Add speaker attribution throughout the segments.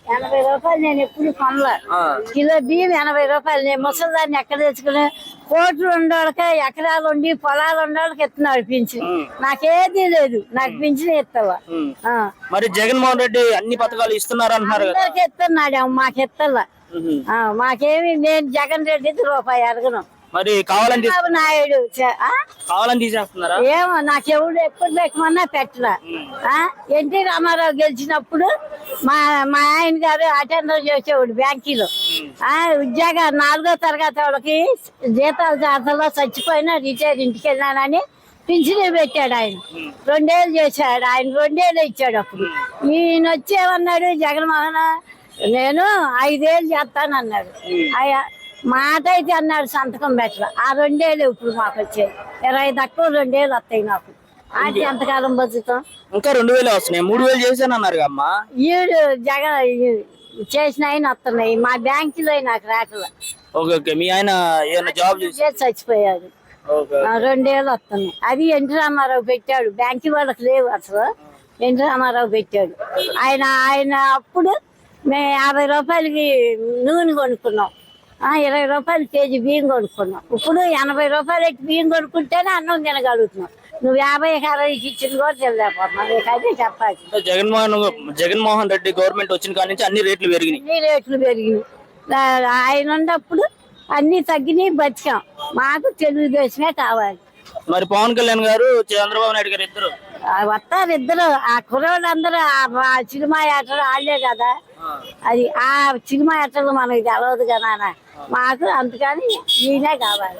Speaker 1: 80 రూపాయలు నేను ఎప్పుడు కొనలే. కిలో బియ్యం 80 రూపాయలు. నేను ముసలిదాన్ని ఎక్కడ తెచ్చుకుని కోట్లు ఉండేవాళ్ళకి ఎకరాలు ఉండి పొలాలు ఉండేవాళ్ళకి ఇస్తున్నాడు పింఛన్. నాకేది లేదు, నాకు పింఛన్ ఇస్తావా?
Speaker 2: మరి జగన్మోహన్ రెడ్డి అన్ని పథకాలు ఇస్తున్నారు అంటున్నారు కదా.
Speaker 1: ఇస్తున్నాడు, మాకు ఇస్తలా. మాకేమి నేను జగన్ రెడ్డి రూపాయి అడగను.
Speaker 2: మరి కావాలని
Speaker 1: నాయుడు
Speaker 2: కావాలని తీసేస్తున్నారా?
Speaker 1: ఏమో నాకెవడు ఎప్పుడు పెట్టమన్నా పెట్టరా. ఎన్టీ రామారావు గెలిచినప్పుడు మా ఆయన గారు అటెండర్ చేసేవాడు బ్యాంకీలో. ఉద్యోగ 4వ తరగతి వాళ్ళకి జీతాలు జాతరలో చచ్చిపోయినా రిటైర్ ఇంటికి వెళ్ళానని పింఛన్ పెట్టాడు ఆయన. 2 ఏళ్ళు చేశాడు ఆయన, 2 ఏళ్ళు ఇచ్చాడు. అప్పుడు ఈయన వచ్చేమన్నాడు జగన్మోహన్, నేను 5 ఏళ్ళు చేస్తానన్నాడు. మాట అయితే అన్నాడు, సంతకం పెట్టరా. ఆ 2 ఏళ్ళు ఇప్పుడు మాకు వచ్చాయి. 20 తక్కువ 2 ఏళ్ళు వస్తాయి నాకు. అది ఎంతకాలం బతుకుతాం?
Speaker 2: ఇంకా 2000 వస్తున్నాయి. 3000 చేశాను అన్నారు అమ్మా.
Speaker 1: ఈడు జగన్ చేసిన ఆయన వస్తున్నాయి. మా బ్యాంకులో నాకు రాకలా.
Speaker 2: మీ ఆయన జాబ్
Speaker 1: చేసి చచ్చిపోయాడు. 2 ఏళ్ళు వస్తున్నాయి. అది ఎన్టీ రామారావు పెట్టాడు. బ్యాంకు వాళ్ళకి లేవు అసలు. ఎన్టీ రామారావు పెట్టాడు. ఆయన అప్పుడు మేము 50 రూపాయలకి నూనె కొనుక్కున్నాం. 20 రూపాయలు కేజీ బియ్యం కొనుక్కున్నాం. ఇప్పుడు 80 రూపాయలు బియ్యం కొనుక్కుంటేనే అన్నం తినగలుగుతున్నాం. నువ్వు 50-60 ఇచ్చింది కూడా తెలియకపోతున్నావు. నీకైతే చెప్పాలి.
Speaker 2: జగన్మోహన్ రెడ్డి గవర్నమెంట్ వచ్చిన కాడి నుంచి అన్ని రేట్లు పెరిగినాయి.
Speaker 1: ఆయన ఉన్నప్పుడు అన్ని తగ్గినాయి, బతికాం. మాకు తెలుగుదేశమే కావాలి.
Speaker 2: మరి పవన్ కళ్యాణ్ గారు, చంద్రబాబు నాయుడు గారు ఇద్దరు
Speaker 1: వస్తారు. ఇద్దరు ఆ కుర్రోళ్ళందరూ ఆ సినిమా యాత్రలు వాళ్ళే కదా. అది ఆ సినిమా యాత్రలు మనకి తెలవదు కదా. మాకు అందుకని ఈయనే కావాలి.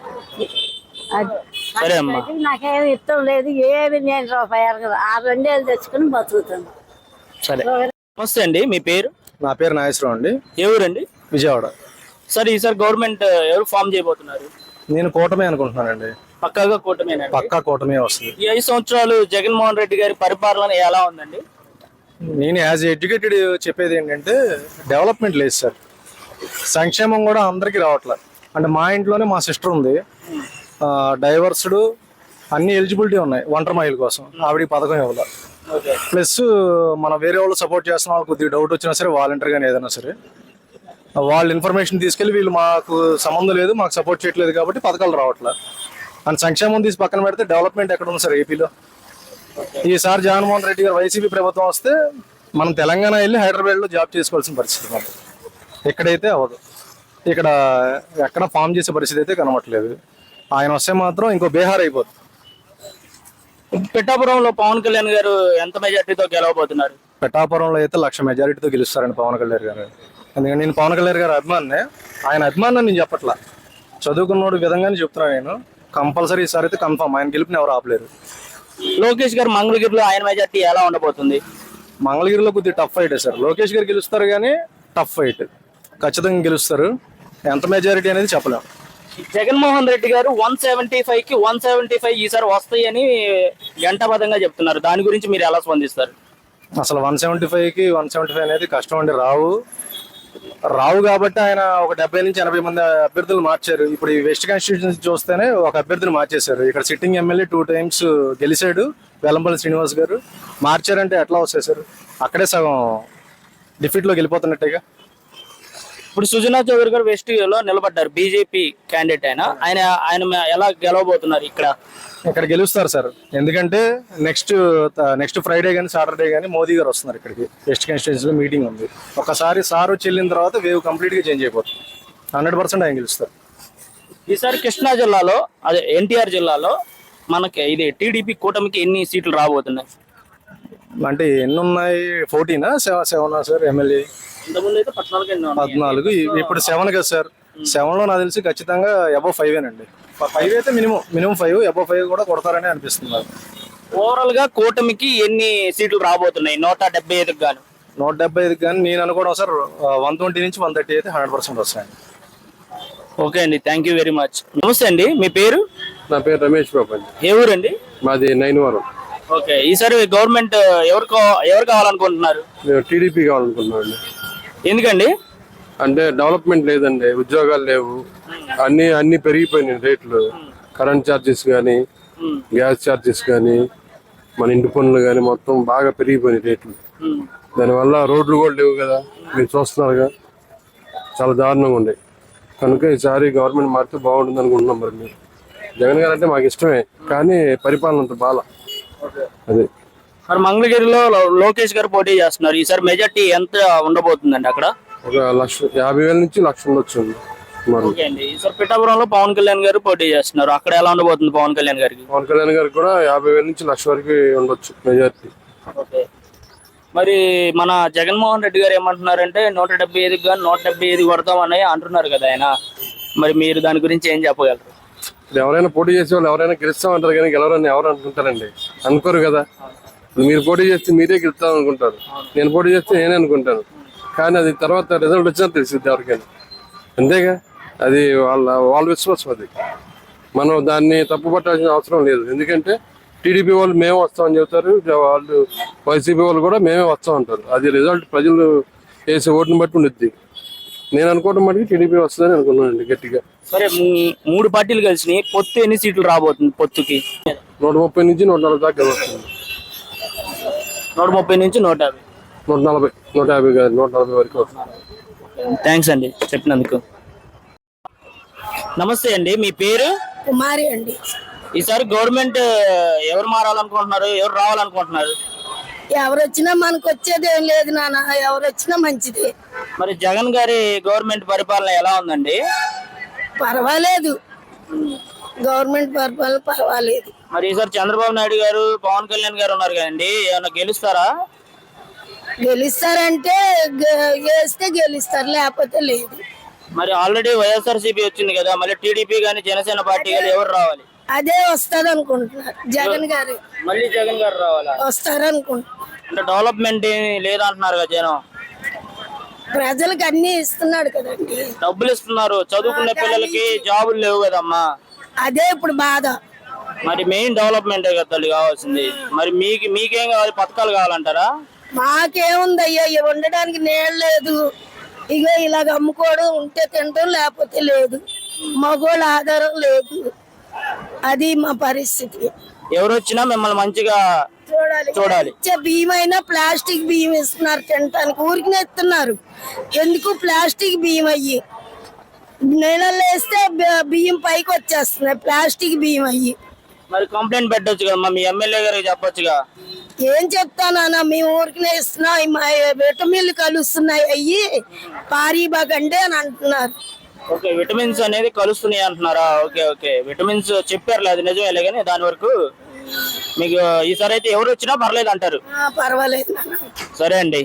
Speaker 1: నాకేమి ఇష్టం లేదు. ఏమి నేను రూపాయి అడగదు. ఆ 2 ఏళ్ళు తెచ్చుకుని బతుకుతాను.
Speaker 2: నమస్తే అండి, మీ పేరు?
Speaker 3: నా పేరు నాగేశ్వరం అండి.
Speaker 2: ఏ ఊరండి?
Speaker 3: విజయవాడ.
Speaker 2: సార్ ఈసారి గవర్నమెంట్ ఎవరు ఫామ్ చేయబోతున్నారు?
Speaker 3: నేను కూటమి అనుకుంటున్నానండి.
Speaker 2: పక్కాగా కూటమేనా?
Speaker 3: పక్కా కూటమి వస్తుంది.
Speaker 2: ఈ 5 సంవత్సరాలు జగన్మోహన్ రెడ్డి గారి పరిపాలన ఎలా ఉందండి?
Speaker 3: నేను యాజ్ ఎడ్యుకేటెడ్ చెప్పేది ఏంటంటే డెవలప్మెంట్ లేదు సార్. సంక్షేమం కూడా అందరికీ రావట్లేదు. అంటే మా ఇంట్లోనే మా సిస్టర్ ఉంది, డైవర్స్డ్, అన్ని ఎలిజిబిలిటీ ఉన్నాయి ఒంటరి మహిళ కోసం. ఆవిడకి పథకం ఇవ్వాలి. ప్లస్ మనం వేరే వాళ్ళు సపోర్ట్ చేస్తున్న వాళ్ళు కొద్దిగా డౌట్ వచ్చినా సరే వాలంటీర్ కానీ ఏదైనా సరే వాళ్ళ ఇన్ఫర్మేషన్ తీసుకెళ్ళి వీళ్ళు మాకు సంబంధం లేదు, మాకు సపోర్ట్ చేయట్లేదు కాబట్టి పథకాలు రావట్లేదు. అండ్ సంక్షేమం తీసి పక్కన పెడితే డెవలప్మెంట్ ఎక్కడ ఉంది సార్ ఏపీలో? ఈసారి జగన్మోహన్ రెడ్డి గారు వైసీపీ ప్రభుత్వం వస్తే మనం తెలంగాణ వెళ్ళి హైదరాబాద్లో జాబ్ చేసుకోవాల్సిన పరిస్థితి మాకు. ఇక్కడైతే అవ్వదు. ఇక్కడ ఎక్కడ ఫామ్ చేసే పరిస్థితి అయితే కనబడట్లేదు. ఆయన వస్తే మాత్రం ఇంకో బీహార్ అయిపోతుంది.
Speaker 2: పిఠాపురంలో పవన్ కళ్యాణ్ గారు ఎంత మెజార్టీతో గెలవబోతున్నారు?
Speaker 3: పిఠాపురంలో అయితే 1,00,000 మెజారిటీతో గెలుస్తారండి పవన్ కళ్యాణ్ గారు. ఎందుకంటే నేను పవన్ కళ్యాణ్ గారు అభిమానినే. ఆయన అభిమానం నేను చెప్పట్లా, చదువుకున్నోడు విధంగానే చెప్తున్నాను. నేను కంపల్సరీ ఈసారి అయితే కన్ఫర్మ్ ఆయన గెలుపుని ఎవరు ఆపలేరు.
Speaker 2: లోకేష్ గారు మంగళగిరిలో ఆయన మెజార్టీ ఎలా ఉండబోతుంది?
Speaker 3: మంగళగిరిలో కొద్దిగా టఫ్ ఫైట్ సార్. లోకేష్ గారు గెలుస్తారు కానీ టఫ్ ఫైట్, ఖచ్చితంగా గెలుస్తారు. ఎంత మెజారిటీ అనేది చెప్పలేము.
Speaker 2: జగన్మోహన్ రెడ్డి గారు 175కి 175 ఈసారి వస్తాయని గంటబద్ధంగా చెప్తున్నారు. దాని గురించి మీరు ఎలా స్పందిస్తారు?
Speaker 3: అసలు 175కి 175 అనేది కష్టం అండి. రావు కాబట్టి ఆయన ఒక 70 నుంచి 80 మంది అభ్యర్థులు మార్చారు. ఇప్పుడు ఈ వెస్ట్ కాన్స్టిట్యూన్సీ చూస్తేనే ఒక అభ్యర్థిని మార్చేశారు. ఇక్కడ సిట్టింగ్ ఎమ్మెల్యే 2 times గెలిచాడు, వెల్లంపల్లి శ్రీనివాస్ గారు. మార్చారంటే ఎట్లా వస్తాయి సార్? అక్కడే సగం డిఫీట్లో వెళ్ళిపోతున్నట్టేగా.
Speaker 2: ఇప్పుడు సుజనా చౌదరి గారు వెస్ట్ లో నిలబడ్డారు, బీజేపీ క్యాండిడేట్. ఆయన ఎలా గెలవబోతున్నారు?
Speaker 3: ఇక్కడ గెలుస్తారు సార్. ఎందుకంటే నెక్స్ట్ ఫ్రైడే కానీ సాటర్డే కానీ మోదీ గారు వస్తున్నారు ఇక్కడికి. వెస్ట్ కాన్స్టిట్యూన్సీలో మీటింగ్ ఉంది. ఒకసారి సార్ వచ్చి వెళ్ళిన తర్వాత వేవ్ కంప్లీట్గా చేంజ్ అయిపోతుంది. 100% ఆయన గెలుస్తారు.
Speaker 2: ఈసారి కృష్ణా జిల్లాలో, అదే ఎన్టీఆర్ జిల్లాలో మనకి ఇది టీడీపీ కూటమికి ఎన్ని సీట్లు రాబోతున్నాయి?
Speaker 3: అంటే ఎన్ని ఉన్నాయి? 14 7 సార్ ఎమ్మెల్యే. 14. ఇప్పుడు 7 కదా సార్. 7లో నాకు తెలిసి ఖచ్చితంగా అబవ్ 5 5 అయితే మినిమం 5, అబవ్ 5 కూడా కొడతారని అనిపిస్తుంది.
Speaker 2: ఓవరాల్ గా కూటమికి ఎన్ని సీట్లు రాబోతున్నాయి? 175 గాను.
Speaker 3: 175 కానీ నేను అనుకోవడం సార్ 120 నుంచి 130 అయితే 100% వస్తాయండి.
Speaker 2: ఓకే అండి, థ్యాంక్ యూ వెరీ మచ్. నమస్తే అండి, మీ పేరు?
Speaker 4: నా పేరు రమేష్ బాబు అండి.
Speaker 2: ఏ ఊరండి?
Speaker 4: మాది నైన్వరం.
Speaker 2: ఓకే, ఈసారి గవర్నమెంట్ ఎవరు కావాలనుకుంటున్నారు?
Speaker 4: మేము టీడీపీ కావాలనుకుంటున్నాం.
Speaker 2: ఎందుకండి?
Speaker 4: అంటే డెవలప్మెంట్ లేదండి, ఉద్యోగాలు లేవు, అన్ని పెరిగిపోయినాయి రేట్లు. కరెంట్ ఛార్జెస్ కానీ, గ్యాస్ ఛార్జెస్ కానీ, మన ఇంటి పనులు కానీ మొత్తం బాగా పెరిగిపోయినాయి రేట్లు. దానివల్ల రోడ్లు కూడా లేవు కదా. మీరు చూస్తున్నారుగా, చాలా దారుణంగా ఉండే. కనుక ఈసారి గవర్నమెంట్ మారితే బాగుంటుంది అనుకుంటున్నాం. మరి మీరు జగన్ గారు అంటే మాకు ఇష్టమే, కానీ పరిపాలన అంత బాల. అదే
Speaker 2: మరి మంగళగిరిలో లోకేష్ గారు పోటీ చేస్తున్నారు. ఈసారి మెజార్టీ ఎంత ఉండబోతుందండి అక్కడ?
Speaker 4: ఒక 50,000 నుంచి 1,00,000 ఉండొచ్చు మరి.
Speaker 2: ఓకే అండి. ఈసారి పిఠాపురంలో పవన్ కళ్యాణ్ గారు పోటీ చేస్తున్నారు. అక్కడ ఎలా ఉండబోతుంది పవన్ కళ్యాణ్ గారికి?
Speaker 4: పవన్ కళ్యాణ్ గారికి కూడా 50,000 నుంచి 1,00,000 వరకు ఉండొచ్చు మెజార్టీ.
Speaker 2: ఓకే. మరి మన జగన్మోహన్ రెడ్డి గారు ఏమంటున్నారంటే 175 కానీ 175 కొడతామని అంటున్నారు కదా ఆయన. మరి మీరు దాని గురించి ఏం చెప్పగలరు?
Speaker 4: ఎవరైనా పోటీ చేసే వాళ్ళు ఎవరైనా గెలుస్తామంటారు, కానీ గెలవరని ఎవరు అనుకుంటారండి? అనుకోరు కదా. మీరు పోటీ చేస్తే మీరే గెలుస్తాం అనుకుంటారు, నేను పోటీ చేస్తే నేనే అనుకుంటాను. కానీ అది తర్వాత రిజల్ట్ వచ్చినా తెలిసింది ఎవరికైనా. అంతేగా, అది వాళ్ళ విశ్వాసం. అది మనం దాన్ని తప్పు పట్టాల్సిన అవసరం లేదు. ఎందుకంటే టీడీపీ వాళ్ళు మేమే వస్తామని చెబుతారు, వాళ్ళు వైసీపీ వాళ్ళు కూడా మేమే వస్తాం అంటారు. అది రిజల్ట్ ప్రజలు వేసే ఓటుని బట్టి ఉండిద్ది. నేను అనుకోవడం మటుకు టీడీపీ వస్తుందని అనుకున్నానండి గట్టిగా.
Speaker 2: సరే, 3 పార్టీలు కలిసి పొత్తు ఎన్ని సీట్లు రాబోతుంది? పొత్తుకి
Speaker 4: 130 నుంచి 140 దాకా వస్తుంది.
Speaker 2: 130 నుంచి 150.
Speaker 4: 140, 150 కాదు, 140 వరకు వస్తుంది.
Speaker 2: థ్యాంక్స్ అండి చెప్పినందుకు. నమస్తే అండి, మీ పేరు?
Speaker 1: కుమారి అండి.
Speaker 2: ఈసారి గవర్నమెంట్ ఎవరు మారాలనుకుంటున్నారు, ఎవరు రావాలనుకుంటున్నారు?
Speaker 1: ఎవరు వచ్చినా మనకు వచ్చేది ఏం లేదు నాన్న, ఎవరు వచ్చినా మంచిది.
Speaker 2: మరి జగన్ గారి గవర్నమెంట్ పరిపాలన ఎలా ఉందండి?
Speaker 1: పర్వాలేదు, గవర్నమెంట్ పరిపాలన పర్వాలేదు.
Speaker 2: మరి ఈసారి చంద్రబాబు నాయుడు గారు, పవన్ కళ్యాణ్ గారు ఉన్నారు కదండి, ఏమన్నా గెలుస్తారా?
Speaker 1: గెలుస్తారంటే వేస్తే గెలుస్తారు, లేకపోతే లేదు.
Speaker 2: మరి ఆల్రెడీ వైఎస్ఆర్సీపీ వచ్చింది కదా, మళ్ళీ టీడీపీ కానీ జనసేన పార్టీ కానీ ఎవరు రావాలి?
Speaker 1: అదే వస్తుంది అనుకుంటున్నారు, జగన్ గారు
Speaker 2: మళ్ళీ జగన్ గారు రావాలా?
Speaker 1: వస్తారు అనుకుంటున్నారు.
Speaker 2: అంటే డెవలప్మెంట్ లేదంటున్నారు కదా జనం.
Speaker 1: ప్రజలకు అన్ని ఇస్తున్నాడు కదండి,
Speaker 2: డబ్బులు ఇస్తున్నారు, చదువుకునే పిల్లలకి జాబులు లేవు కదమ్మా.
Speaker 1: అదే ఇప్పుడు బాధ.
Speaker 2: మరి మెయిన్ డెవలప్మెంటే కదా తల్లి కావాల్సింది. మరి మీకేం కావాలి? పథకాలు కావాలంటారా?
Speaker 1: మాకేముంది అయ్యా, ఉండడానికి నీళ్ళు లేదు. ఇక ఇలాగ అమ్ముకోవడం, ఉంటే తినడం, లేకపోతే లేదు. మగోళ్ళ ఆధారం లేదు. అది మా పరిస్థితి.
Speaker 2: ఎవరు వచ్చినా మిమ్మల్ని మంచిగా చూడాలి.
Speaker 1: బియ్యం అయినా ప్లాస్టిక్ బియ్యం ఇస్తున్నారు తినటానికి, ఊరికి ఇస్తున్నారు. ఎందుకు ప్లాస్టిక్ బియ్యం అయ్యి నీళ్ళల్లో వేస్తే బియ్యం పైకి వచ్చేస్తున్నాయి, ప్లాస్టిక్ బియ్యం అయ్యి.
Speaker 2: మరి కంప్లైంట్ పెట్టొచ్చు కదా, మీ ఎమ్మెల్యే గారికి చెప్పొచ్చుగా.
Speaker 1: ఏం చెప్తానా, మేము ఊరికినే ఇస్తున్నాం, మా విటమిన్లు కలుస్తున్నాయి అయ్యి పారీబాగండి అని అంటున్నారు.
Speaker 2: ఓకే, విటమిన్స్ అనేది కలుస్తున్నాయి అంటున్నారా? ఓకే ఓకే, విటమిన్స్ చెప్పారు, అది నిజమేలే. కానీ దాని వరకు మీకు ఈసారి అయితే ఎవరు వచ్చినా పర్లేదు అంటారు?
Speaker 1: పర్వాలేదు.
Speaker 2: సరే అండి,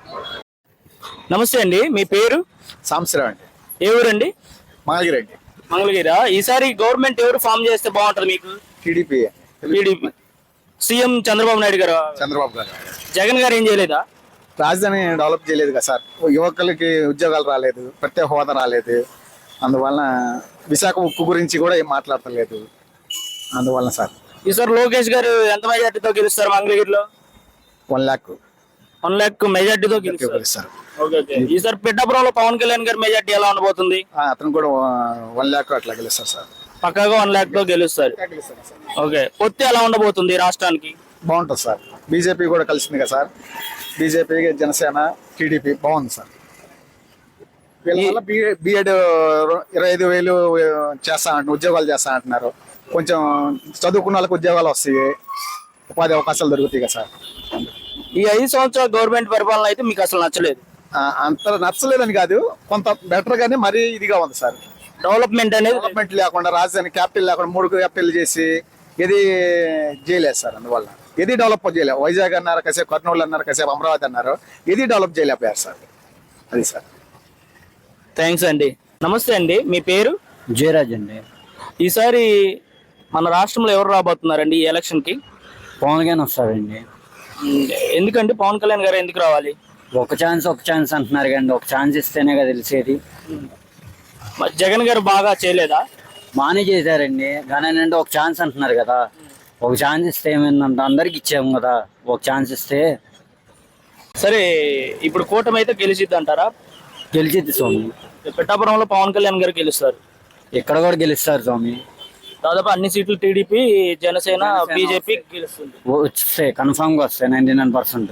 Speaker 2: నమస్తే అండి, మీ పేరు?
Speaker 5: సంవత్సరం అండి.
Speaker 2: ఏ ఊరండి?
Speaker 5: మంగళగిరి అండి.
Speaker 2: మంగళగిరా. ఈసారి గవర్నమెంట్ ఎవరు ఫామ్ చేస్తే బాగుంటది మీకు?
Speaker 5: TDP.
Speaker 2: TDP. CM Chandrababu Naidu garu.
Speaker 5: Chandrababu గారు.
Speaker 2: జగన్ గారు ఏం చేయలేదా?
Speaker 5: రాజధాని డెవలప్ చేయలేదు కదా సార్, యువకులకి ఉద్యోగాలు రాలేదు, ప్రత్యేక హోదా రాలేదు. అందువలన విశాఖ ఉక్కు గురించి కూడా ఏం మాట్లాడతలేదు. అందువలన సార్
Speaker 2: ఈసారి లోకేష్ గారు ఎంత మెజార్టీతో గెలుస్తారు మంగళగిరిలో?
Speaker 5: 1,00,000
Speaker 2: 1,00,000 మెజార్టీతో గెలుస్తారు.
Speaker 5: సార్.
Speaker 2: ఈసారి పిఠాపురంలో పవన్ కళ్యాణ్ గారి మెజార్టీ ఎలా ఉండబోతుంది?
Speaker 5: అతను కూడా 1,00,000 అట్లా గెలుస్తారు సార్.
Speaker 2: పక్కాగా 1,00,000 తో గెలుస్తారు. ఓకే, పొత్తు ఎలా ఉండబోతుంది రాష్ట్రానికి?
Speaker 5: బాగుంటుంది సార్. బీజేపీ కూడా కలిసింది కదా సార్. బీజేపీ, జనసేన, టీడీపీ బాగుంది సార్. వీళ్ళ వల్ల బీఎడ్ 25,000 చేస్తా అంటున్నారు, ఉద్యోగాలు చేస్తా అంటున్నారు. కొంచెం చదువుకున్న వాళ్ళకి ఉద్యోగాలు వస్తాయి, ఉపాధి అవకాశాలు దొరుకుతాయి కదా సార్.
Speaker 2: ఈ 5 సంవత్సరాల గవర్నమెంట్ పరిపాలన అయితే మీకు అసలు నచ్చలేదు?
Speaker 5: అంత నచ్చలేదని కాదు, కొంత బెటర్ గానే మరీ ఇదిగా ఉంది సార్.
Speaker 2: డెవలప్మెంట్ అనేది
Speaker 5: డెవలప్మెంట్ లేకుండా, రాజధాని క్యాపిటల్ లేకుండా 3 క్యాపిటల్ చేసి ఏది చేయలేదు సార్. అందువల్ల ఏది డెవలప్ చేయలేదు. వైజాగ్ అన్నారు కాసేపు, కర్నూలు అన్నారు కాసేపు, అమరావతి అన్నారు, ఏది డెవలప్ చేయలేకపోయారు సార్. అది సార్.
Speaker 2: థ్యాంక్స్ అండి. నమస్తే అండి, మీ పేరు?
Speaker 6: జయరాజ్ అండి.
Speaker 2: ఈసారి మన రాష్ట్రంలో ఎవరు రాబోతున్నారండి ఈ ఎలక్షన్ కి?
Speaker 6: పవన్ కళ్యాణ్ వస్తారండి.
Speaker 2: ఎందుకండి పవన్ కళ్యాణ్ గారు ఎందుకు రావాలి?
Speaker 6: ఒక ఛాన్స్ అంటున్నారు కండి, ఒక ఛాన్స్ ఇస్తేనే కదా తెలిసేది.
Speaker 2: మరి జగన్ గారు బాగా చేయలేదా?
Speaker 6: బాగానే చేశారండి, కానీ ఏంటంటే ఒక ఛాన్స్ అంటున్నారు కదా. ఒక ఛాన్స్ ఇస్తే ఏమైందంటే అందరికి ఇచ్చాము కదా, ఒక ఛాన్స్ ఇస్తే.
Speaker 2: సరే, ఇప్పుడు కూటమి అయితే గెలిచిద్ది అంటారా?
Speaker 6: గెలిచిద్ది స్వామి.
Speaker 2: పిఠాపురంలో పవన్ కళ్యాణ్ గారు గెలుస్తారు.
Speaker 6: ఇక్కడ కూడా గెలుస్తారు స్వామి.
Speaker 2: దాదాపు అన్ని సీట్లు టీడీపీ, జనసేన, బీజేపీ గెలుస్తుంది.
Speaker 6: వస్తాయి, కన్ఫామ్ గా వస్తాయి 99%.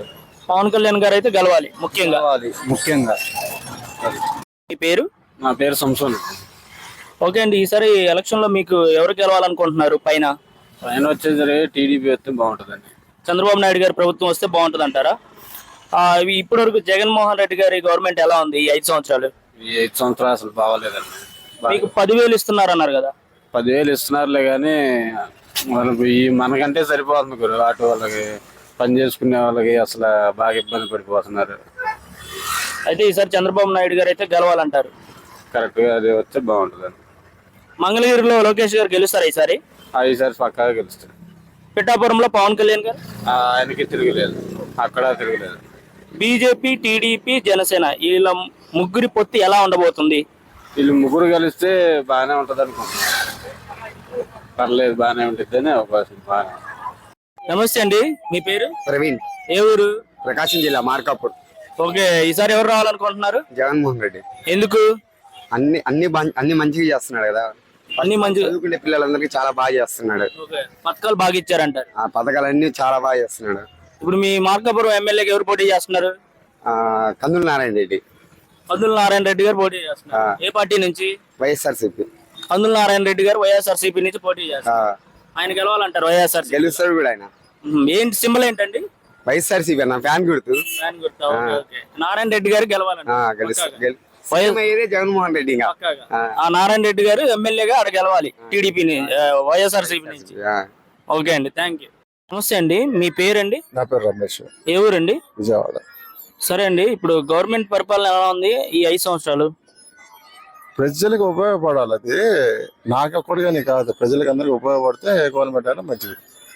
Speaker 2: పవన్ కళ్యాణ్ గారు అయితే గెలవాలి ముఖ్యంగా.
Speaker 6: ముఖ్యంగా.
Speaker 2: మీ పేరు?
Speaker 6: నా పేరు సంసోన్.
Speaker 2: ఓకే అండి, ఈసారి ఎలక్షన్ లో మీకు ఎవరు గెలవాలనుకుంటున్నారు? పైన
Speaker 6: వచ్చేసరి టీడీపీ వస్తే బాగుంటుందండి.
Speaker 2: చంద్రబాబు నాయుడు గారి ప్రభుత్వం వస్తే బాగుంటుంది అంటారా? ఇప్పటి వరకు జగన్మోహన్ రెడ్డి గారి గవర్నమెంట్ ఎలా ఉంది ఈ 5 సంవత్సరాలు?
Speaker 6: ఈ 5 సంవత్సరాలు అసలు బాగాలేదండి.
Speaker 2: మీకు 10,000 ఇస్తున్నారు అన్నారు కదా.
Speaker 6: 10,000 ఇస్తున్నారులే కానీ మనకంటే సరిపోతుంది గురు. ఆటో వాళ్ళకి, పని చేసుకునే వాళ్ళకి అసలు బాగా ఇబ్బంది పడిపోతున్నారు.
Speaker 2: అయితే ఈసారి చంద్రబాబు నాయుడు గారు అయితే గెలవాలంటారు.
Speaker 6: కరెక్ట్ గా అది వస్తే బాగుంటుందండి.
Speaker 2: మంగళగిరిలో లోకేష్ గారు గెలుస్తారా ఈసారి?
Speaker 6: ఈసారి పక్కాగా గెలుస్తారు.
Speaker 2: పిఠాపురంలో పవన్ కళ్యాణ్ గారు?
Speaker 6: ఆయనకి తిరగలేదు, అక్కడ తిరగలేదు.
Speaker 2: బీజేపీ, టీడీపీ, జనసేన వీళ్ళ ముగ్గురి పొత్తు ఎలా ఉండబోతుంది?
Speaker 6: వీళ్ళు ముగ్గురు కలిస్తే బాగానే ఉంటది అనుకుంటున్నాను. పర్లేదు, బాగానే ఉంటుంది అవకాశం. బాగా.
Speaker 2: నమస్తే అండి, మీ పేరు?
Speaker 7: ప్రవీణ్,
Speaker 2: ఏ ఊరు?
Speaker 7: ప్రకాశం జిల్లా మార్కాపూర్.
Speaker 2: ఓకే, ఈసారి ఎవరు రావాలనుకుంటున్నారు?
Speaker 7: జగన్మోహన్ రెడ్డి.
Speaker 2: ఎందుకు?
Speaker 7: అన్ని మంచిగా చేస్తున్నాడు కదా.
Speaker 2: అన్ని మంచి
Speaker 7: చదువుకునే పిల్లలందరికీ చాలా బాగా చేస్తున్నాడు.
Speaker 2: ఓకే, పథకాలు బాగా ఇచ్చారంటారు.
Speaker 7: ఆ పథకాలన్నీ చాలా బాగా చేస్తున్నాడు.
Speaker 2: ఇప్పుడు మీ మార్కాపురం ఎమ్మెల్యేకి ఎవరు పోటీ చేస్తున్నారు?
Speaker 7: కందుల నారాయణ రెడ్డి.
Speaker 2: కందుల నారాయణ రెడ్డి గారు పోటీ చేస్తున్నారు. ఏ పార్టీ నుంచి?
Speaker 7: వైఎస్ఆర్సీపీ.
Speaker 2: కందుల నారాయణ రెడ్డి గారు వైఎస్ఆర్సీపీ నుంచి పోటీ చేస్తారు. ఆయన గెలవాలంటారు వైఎస్ఆర్సీపీ.
Speaker 7: గెలుస్తాడు కూడా ఆయన.
Speaker 2: ఏంటి సింబల్ ఏంటండి?
Speaker 7: వైఎస్ఆర్సీపీ అన్న ఫ్యాన్ గుర్తు.
Speaker 2: ఫ్యాన్ గుర్తా? Okay, okay. నారాయణ రెడ్డి గారు గెలవాలంట.
Speaker 7: జగన్మోహన్ రెడ్డి ఇంకా.
Speaker 2: ఆ నారాయణ రెడ్డి గారు ఎమ్మెల్యేగా ఆడ గెలవాలి టీడీపీ వైఎస్ఆర్సీపీ నుంచి. ఓకే అండి, థ్యాంక్ యూ. నమస్తే అండి, మీ పేరండి?
Speaker 3: నా పేరు రమేష్.
Speaker 2: ఏ ఊరండి?
Speaker 3: విజయవాడ.
Speaker 2: సరే అండి, ఇప్పుడు గవర్నమెంట్ పరిపాలన ఎలా ఉంది ఈ 5 సంవత్సరాలు?
Speaker 3: ప్రజలకు ఉపయోగపడాలి. అది నాకొక్కడిగానే కాదు, ప్రజలకు అందరికి ఉపయోగపడితే గవర్నమెంట్ అయినా మంచిది.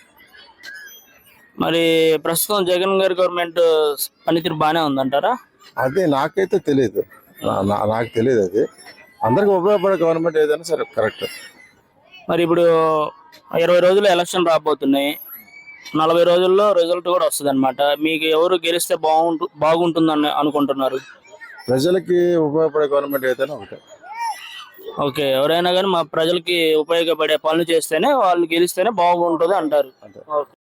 Speaker 2: మరి ప్రస్తుతం జగన్ గారి గవర్నమెంట్ పనితీరు బాగానే ఉందంటారా?
Speaker 3: అదే నాకైతే తెలియదు, నాకు తెలియదు. అది అందరికి ఉపయోగపడే గవర్నమెంట్ ఏదైనా సరే కరెక్ట్.
Speaker 2: మరి ఇప్పుడు 20 రోజులు ఎలక్షన్ రాబోతున్నాయి. 40 రోజుల్లో రిజల్ట్ కూడా వస్తుంది అనమాట. మీకు ఎవరు గెలిస్తే బాగుంటుందని అనుకుంటున్నారు?
Speaker 3: ప్రజలకి ఉపయోగపడే గవర్నమెంట్ ఏదైనా ఒకటే.
Speaker 2: ఓకే, ఎవరైనా కానీ మా ప్రజలకి ఉపయోగపడే పనులు చేస్తేనే వాళ్ళు గెలిస్తేనే బాగుంటుంది అంటారు.